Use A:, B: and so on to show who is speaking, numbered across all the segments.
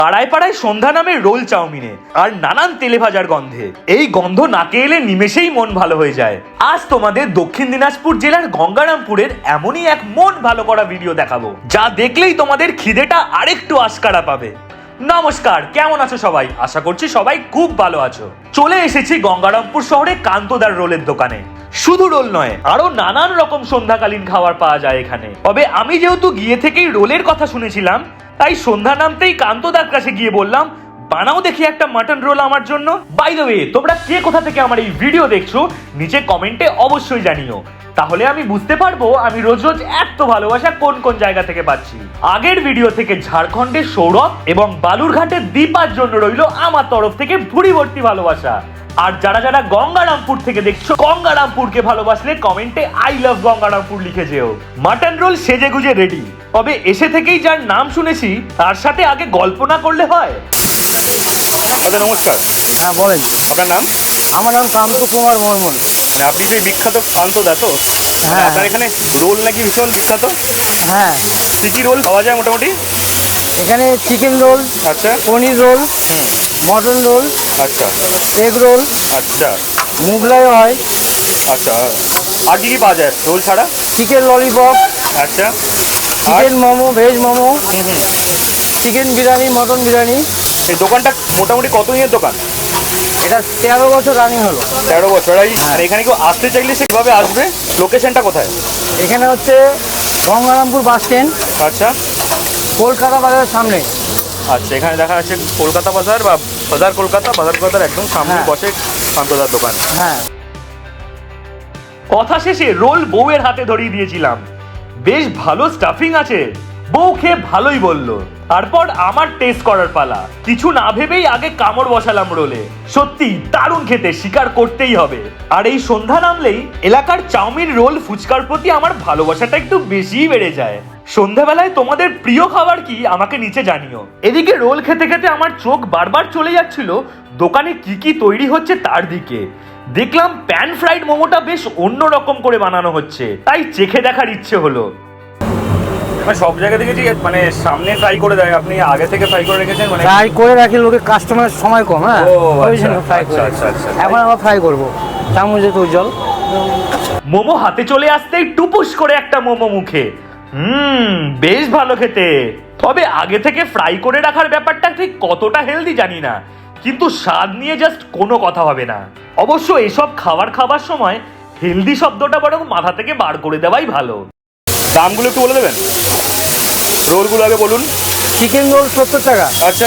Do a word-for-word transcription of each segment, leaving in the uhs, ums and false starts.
A: পাড়ায় পাড়ায় সন্ধ্যা নামে রোল চাউমিনে আর নানান তেলে ভাজার গন্ধে এই গন্ধ নাকে এলে নিমেষেই মন ভালো হয়ে যায়। আজ তোমাদের দক্ষিণ দিনাজপুর জেলার গঙ্গারামপুরের এমনই এক মন ভালো করা ভিডিও দেখাবো, যা দেখলেই তোমাদের খিদেটা আরেকটু আশকারা পাবে। নমস্কার, কেমন আছো সবাই? আশা করছি সবাই খুব ভালো আছো। চলে এসেছি গঙ্গারামপুর শহরে কান্তদার রোলের দোকানে। শুধু রোল নয়, আরো নানান রকম সন্ধ্যাকালীন খাবার পাওয়া যায় এখানে। তবে আমি যেহেতু গিয়ে থেকেই রোলের কথা শুনেছিলাম, তাই সন্ধ্যা নামতেই কান্তদার কাছে গিয়ে বললাম, বানাও দেখি একটা মাটন রোল আমার জন্য। বাই দ্য ওয়ে, তোমরা কে কোথা থেকে আমার এই ভিডিও দেখছো নিচে কমেন্টে অবশ্যই জানিও, তাহলে আমি বুঝতে পারবো আমি রোজ রোজ এত ভালোবাসা কোন কোন জায়গা থেকে পাচ্ছি। আগের ভিডিও থেকে ঝাড়খণ্ডের সৌরভ এবং বালুরঘাটের দীপার জন্য রইল আমার তরফ থেকে ভুড়ি ভর্তি ভালোবাসা। আর যারা যারা গঙ্গারামপুর থেকে দেখছো, গঙ্গারামপুরকে ভালোবাসলে কমেন্টে আই লাভ গঙ্গারামপুর লিখে যেও। মাটন রোল সেজে গুজে রেডি। তবে এসে থেকেই যার নাম শুনেছি তার সাথে আগে গল্প না করলে হয়?
B: দাদা নমস্কার।
C: হ্যাঁ বলেন।
B: আপনার নাম?
C: আমার নাম কান্ত কুমার বর্মন।
B: মানে আপনি যে বিখ্যাত কান্তদা তো?
C: হ্যাঁ।
B: আপনার এখানে রোল নাকি ভীষণ বিখ্যাত?
C: হ্যাঁ।
B: কি কি রোল পাওয়া যায় মোটামুটি?
C: এখানে চিকেন রোল,
B: আচ্ছা,
C: পনির রোল,
B: হুম,
C: মটন রোল,
B: আচ্ছা,
C: এগ রোল,
B: আচ্ছা,
C: মুগলাই হয়,
B: আচ্ছা। আর কি কি পাওয়া যায় রোল ছাড়া?
C: চিকেন ললিপপ,
B: আচ্ছা,
C: চিকেন মোমো, ভেজ মোমো,
B: হুম হুম।
C: Chicken biryani, mutton biryani.
B: এই দোকানটা মোটামুটি কত দিনের দোকান?
C: এটা তেরো বছর রানিং হলো।
B: তেরো বছর। এই
C: হ্যাঁ।
B: আর এখানে কেউ আসতে চাইলে সে কিভাবে আসবে? লোকেশনটা কোথায়?
C: এখানে হচ্ছে গঙ্গারামপুর বাস স্ট্যান্ড,
B: আচ্ছা,
C: কলকাতা বাজারের সামনে।
B: আচ্ছা, এখানে দেখা যাচ্ছে কলকাতা বাজার বা বাজার কলকাতা, বাজার কলকাতার একদম সামনে
C: হ্যাঁ।
B: বসে কান্তদার দোকান।
C: হ্যাঁ।
A: কথা শেষে রোল বউয়ের হাতে ধরিয়ে দিয়েছিলাম। বেশ ভালো স্টাফিং আছে। বউ খেয়ে ভালোই বললো। তারপর আমার টেস্ট করার পালা। কিছু না ভেবেই আগে কামড় বসালাম রোলে। সত্যি দারুণ খেতে, স্বীকার করতেই হবে। আর এই সন্ধ্যা নামলেই এলাকার চাউমিন, রোল, ফুচকার প্রতি আমার ভালোবাসাটা একটু বেশিই বেড়ে যায়। সন্ধ্যাবেলায় তোমাদের প্রিয় খাবার কি আমাকে নিচে জানিও। এদিকে রোল খেতে খেতে আমার চোখ বারবার চলে যাচ্ছিল দোকানে কি কি তৈরি হচ্ছে তার দিকে। দেখলাম প্যান ফ্রাইড মোমোটা বেশ অন্য রকম করে বানানো হচ্ছে, তাই চেখে দেখার ইচ্ছে হলো।
B: মানে সব জায়গা দেখেছি মানে সামনে ফ্রাই করে দেয়, আপনি আগে থেকে ফ্রাই করে রেখেছেন? মানে
C: ফ্রাই করে রাখি, লোকে কাস্টমারের সময় কম। হ্যাঁ,
B: ও,
C: ওই
B: আচ্ছা,
C: জন্য ফ্রাই করে।
B: আচ্ছা, আচ্ছা, আচ্ছা।
C: এখন আবার ফ্রাই করবো, চামচে তো জল।
A: মোমো হাতে চলে আসতেই টুপুস করে একটা মোমো মুখে। হুম, বেশ ভালো খেতে। তবে আগে থেকে ফ্রাই করে রাখার ব্যাপারটা ঠিক কতটা হেলদি জানি না, কিন্তু স্বাদ নিয়ে জাস্ট কোনো কথা হবে না। অবশ্য এসব খাবার খাবার সময় হেলদি শব্দটা বরং মাথা থেকে বার করে দেওয়াই ভালো।
B: দামগুলো একটু বলে দেবেন? রোলগুলো আগে বলুন।
C: চিকেন রোল সত্তর টাকা।
B: আচ্ছা,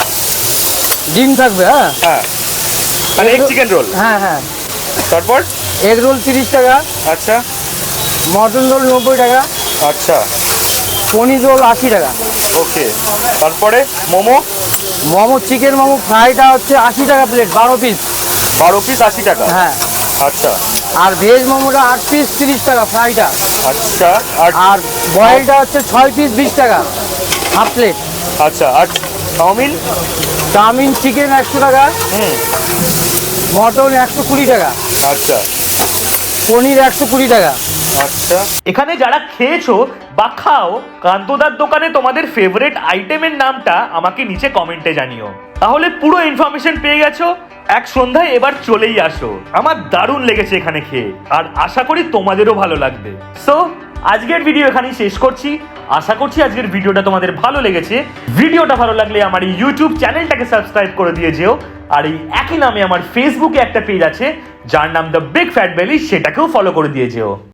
C: ডিম থাকবে। হ্যাঁ
B: হ্যাঁ, মানে এক চিকেন রোল।
C: হ্যাঁ হ্যাঁ।
B: তারপর?
C: এগ রোল তিরিশ টাকা।
B: আচ্ছা,
C: মটন রোল নব্বই টাকা।
B: আচ্ছা,
C: পনির রোল আশি টাকা।
B: ওকে। তারপরে মোমো?
C: মোমো, চিকেন মোমো ফ্রাইটা হচ্ছে আশি টাকা প্লেট, বারো পিস।
B: বারো পিস আশি টাকা?
C: হ্যাঁ।
B: আচ্ছা,
C: আর ভেজ মোমোটা আট পিস তিরিশ টাকা ফ্রাইটা।
B: আচ্ছা। আর
C: আর বয়েলটা হচ্ছে ছয় পিস বিশ টাকা হাফ প্লেট।
B: আচ্ছা, আর চাউমিন?
C: চাউমিন চিকেন একশো টাকা,
B: হুম,
C: মটন একশো কুড়ি টাকা,
B: আচ্ছা,
C: পনির একশো কুড়ি টাকা।
B: আচ্ছা।
A: এখানে যারা খেয়েছো বা খাও, কান্তদার দোকানে তোমাদের ফেভারিট আইটেমের নামটা আমাকে নিচে কমেন্টে জানিও। তাহলে পুরো ইনফরমেশন পেয়ে গেছো। এক সন্ধ্যায় এবার চলেই আসো। আমার দারুণ লেগেছে এখানে খেয়ে, আর আশা করি তোমাদেরও ভালো লাগবে। সো আজকের ভিডিও এখানেই শেষ করছি। আশা করছি আজকের ভিডিওটা তোমাদের ভালো লেগেছে। ভিডিওটা ভালো লাগলে আমার এই ইউটিউব চ্যানেলটাকে সাবস্ক্রাইব করে দিয়ে যেও। আর এই একই নামে আমার ফেসবুকে একটা পেজ আছে যার নাম দ্য বিগ ফ্যাট বেলি, সেটাকেও ফলো করে দিয়ে যেও।